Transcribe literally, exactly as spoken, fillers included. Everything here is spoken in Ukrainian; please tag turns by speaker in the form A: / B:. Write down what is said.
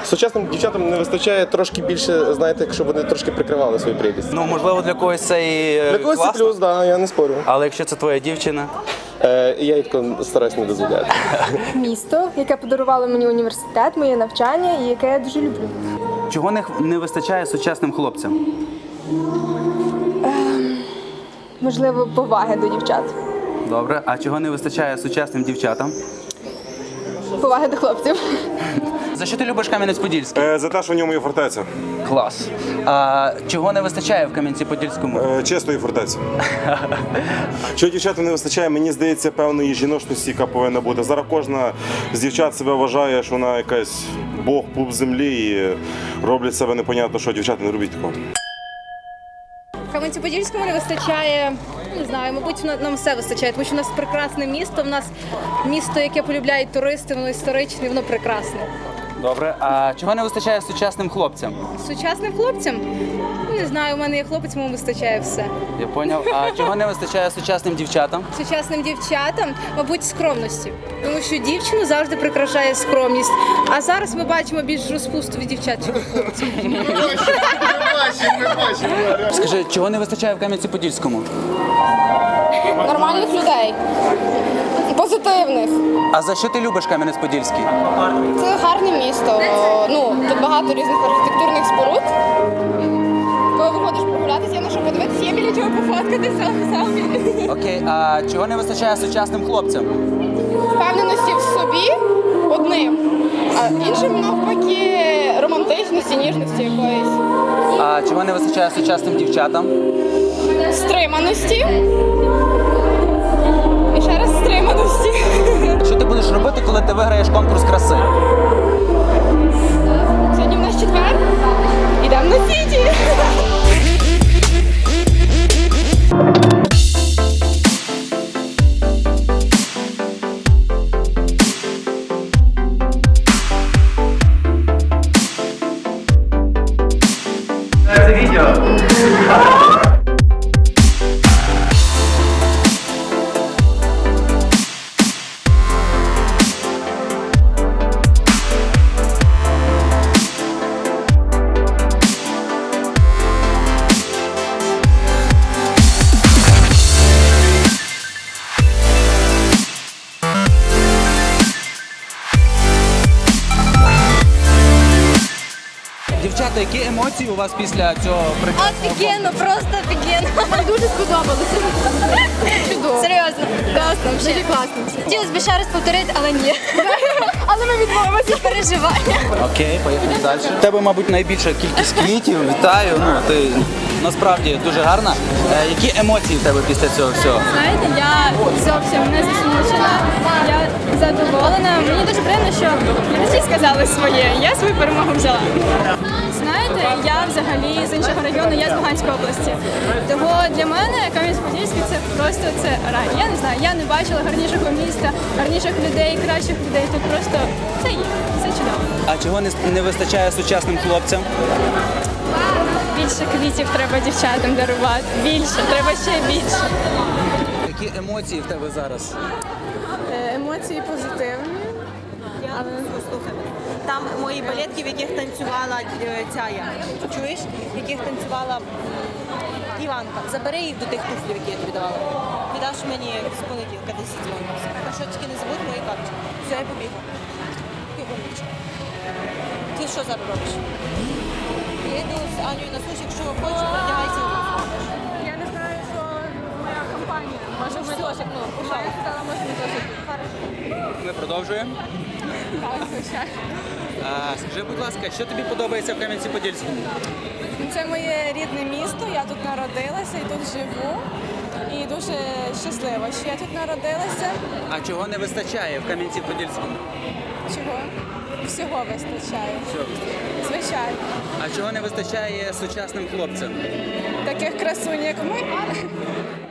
A: Сучасним дівчатам не вистачає трошки більше, знаєте, щоб вони трошки прикривали свою прелість.
B: Ну, можливо, для когось це і
A: Для когось це
B: класно.
A: плюс, так, да, я не спорю.
B: Але якщо це твоя дівчина?
A: Е, я їй тако стараюсь не дозволяти.
C: Місто, яке подарувало мені університет, моє навчання і яке я дуже люблю.
B: Чого не, не вистачає сучасним хлопцям?
C: Можливо, поваги до дівчат.
B: Добре. А чого не вистачає сучасним дівчатам?
C: Поваги до хлопців.
B: За що ти любиш Кам'янець-Подільський?
D: Е, За те, що в ньому є фортеця.
B: Клас. А чого не вистачає в Кам'янці-Подільському?
D: Е, Чистої фортеці. Що дівчатам не вистачає, мені здається, певної жіночності, яка повинна бути. Зараз кожна з дівчат себе вважає, що вона якась бог, пуп землі і роблять себе непонятно, що дівчата не робіть такого.
E: В Кам'янці-Подільському не вистачає, не знаю, мабуть, на- нам все вистачає, тому що у нас прекрасне місто, в нас місто, яке полюбляють туристи, воно історичне, воно прекрасне.
B: Добре. А чого не вистачає сучасним хлопцям?
E: Сучасним хлопцям, не знаю, у мене є хлопець, йому вистачає все.
B: Я поняв. А чого не вистачає сучасним дівчатам?
E: Сучасним дівчатам, мабуть, скромності, тому що дівчину завжди прикрашає скромність, а зараз ми бачимо більш розпусту від дівчат, чим від хлопців.
B: Скажи, чого не вистачає в Кам'янці-Подільському?
C: Нормальних людей. Позитивних.
B: А за що ти любиш Кам'янець-Подільський?
C: Це гарне місто. Ну, тут багато різних архітектурних споруд. Коли виходиш прогулятися, є на що подивитися, є біля чого пофоткатися самі.
B: Окей, а чого не вистачає сучасним хлопцям?
C: Впевненості в собі одним, а іншим навпаки романтичності, ніжності якоїсь.
B: А чого не вистачає сучасним дівчатам?
C: Стриманості. І ще раз стриманості.
B: Що ти будеш робити, коли ти виграєш конкурс краси?
C: Сьогодні в нас четвер. Ідемо на сіті.
B: Це відео. Дівчата, які емоції у вас після цього прекрасного?
E: Офігенно, просто офігенно.
C: Мені дуже сподобалося. Чудово.
E: Серйозно, класно,
C: Дуже класно.
E: Хотілося б ще раз повторити, але ні.
C: Але ми відмовимося.
E: Переживання.
B: Окей, поїхали далі. У тебе, мабуть, найбільша кількість квітів. Вітаю. Ну, ти насправді дуже гарна. Е, які емоції в тебе після цього всього?
F: Знаєте, я зовсім не засмучена, я задоволена. Мені дуже приємно, що глядачі сказали своє, я свою перемогу взяла. Знаєте, я взагалі з іншого району, я з Луганської області. Того для мене Кам'янець-Подільський це просто це рай. Я не знаю, я не бачила гарнішого міста, гарніших людей, кращих людей. Тут просто це є, це чудово.
B: А чого не, не вистачає сучасним хлопцям?
F: Більше квітів треба дівчатам дарувати. Більше, треба ще більше.
B: Які емоції в тебе зараз?
F: Емоції позитивні.
G: Але послухай, там мої балетки, в яких танцювала е, ця я, чуєш, в яких танцювала м, Іванка. Забери їх до тих туфлів, які я тобі давала. Віддаш мені з понеділка десять дзвонів. А що тільки не забудь мої карточки. Все, я побігла. Ти гоночка. Ти що зараз робиш? Я йду з Анею на суші, якщо хочеш, одягайся.
F: Я не знаю, що моя компанія. Може, ми теж, ну, пожалуйста, може, ми теж.
B: Ми продовжуємо. А, скажи, будь ласка, що тобі подобається в Кам'янці-Подільському?
F: Це моє рідне місто, я тут народилася і тут живу. І дуже щаслива, що я тут народилася.
B: А чого не вистачає в Кам'янці-Подільському?
F: Чого? Всього вистачає. Звичайно.
B: А чого не вистачає сучасним хлопцям?
F: Таких красунь, як ми.